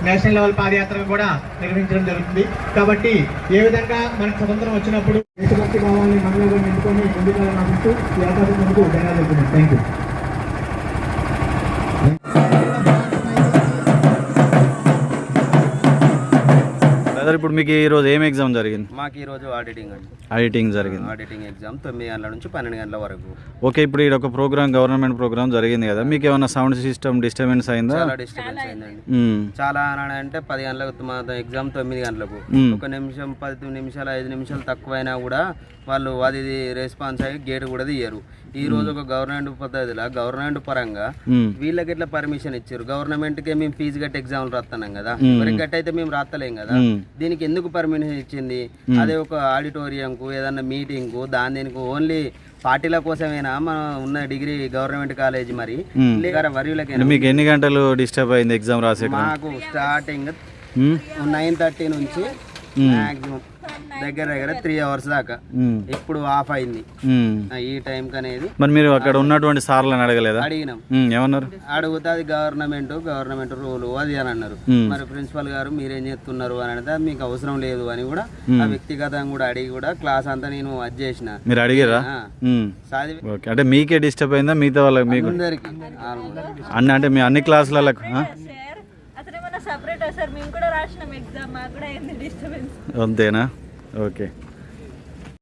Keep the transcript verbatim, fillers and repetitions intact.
National level పాదయాత్ర కూడా నిర్వహించడం జరుగుతుంది. కాబట్టి ఏ విధంగా మనకు స్వతంత్రం వచ్చినప్పుడు దేశభక్తి భావాన్ని మనలో నింపుకొని ముందుకు నడుస్తూ ఈ అవకాశం ముందుకు ధన్యవాదాలు. Thank you. ఇప్పుడు మీకు ఈ రోజు ఏం ఎగ్జామ్ జరిగింది? మాకు ఈ రోజు ఆడిటింగ్ అండి. ఆడిటింగ్ జరిగింది. ఆడిటింగ్ ఎగ్జామ్ తొమ్మిది గంటల నుంచి పన్నెండు గంటల వరకు. ఓకే, ఇప్పుడు ఇక్కడ ఒక ప్రోగ్రామ్ గవర్నమెంట్ ప్రోగ్రామ్ జరిగింది కదా, మీకు ఏమైనా సౌండ్ సిస్టమ్ డిస్టర్బెన్స్ అయిందా? చాలా డిస్టర్బెన్స్ అయిందండి. చాలా అని అంటే పది గంటలకు మా ఎగ్జామ్ తొమ్మిది గంటలకు ఒక నిమిషం పది నిమిషాలు ఐదు నిమిషాలు తక్కువైనా కూడా వాళ్ళు అది రెస్పాన్స్ అయ్యి గేట్ కూడా తీయరు. ఈ రోజు ఒక గవర్నమెంట్ పద్ధతిలో గవర్నమెంట్ పరంగా వీళ్ళకి ఎట్లా పర్మిషన్ ఇచ్చారు? గవర్నమెంట్ కి మేము ఫీజు కట్టి ఎగ్జామ్లు రాస్తున్నాం కదా, మరి గట్టి అయితే మేము రాస్తలేం కదా, దీనికి ఎందుకు పర్మిషన్ ఇచ్చింది? అదే ఒక ఆడిటోరియం కు ఏదన్నా మీటింగ్ కు దాని దీనికి ఓన్లీ పార్టీల కోసమేనా మనం ఉన్న డిగ్రీ గవర్నమెంట్ కాలేజ్? మరి వరిలకి మీకు ఎన్ని గంటలు డిస్టర్బ్ అయింది ఎగ్జామ్ రాసే? మాకు స్టార్టింగ్ నైన్ థర్టీ నుంచి మాక్సిమం దగ్గర దగ్గర త్రీ అవర్స్ దాకా, ఇప్పుడు ఆఫ్ అయింది ఈ టైం అనేది. మరి మీరు అక్కడ ఉన్నటువంటి సార్లను అడగలేదా? అడిగినాం. ఏమన్నారు? అడిగితే అది గవర్నమెంట్ గవర్నమెంట్ రూల్ అది అని అన్నారు. మరి ప్రిన్సిపల్ గారు మీరేం చేస్తున్నారు అని అంటే మీకు అవసరం లేదు అని కూడా ఆ వ్యక్తిగతంగా కూడా అడిగి కూడా క్లాస్ అంతా నేను అది చేసిన. మీరు అడిగారా? అంటే మీకే డిస్టర్బ్ అయిందా మిగతా వాళ్ళకి? మీకు అందరికి అన్ని అంటే మీ అన్ని క్లాసులకు సెపరేట్ సార్, మేము కూడా రాసినాం ఎగ్జామ్, మాకు కూడా ఏంది డిస్టర్బెన్స్. అంతేనా? ఓకే.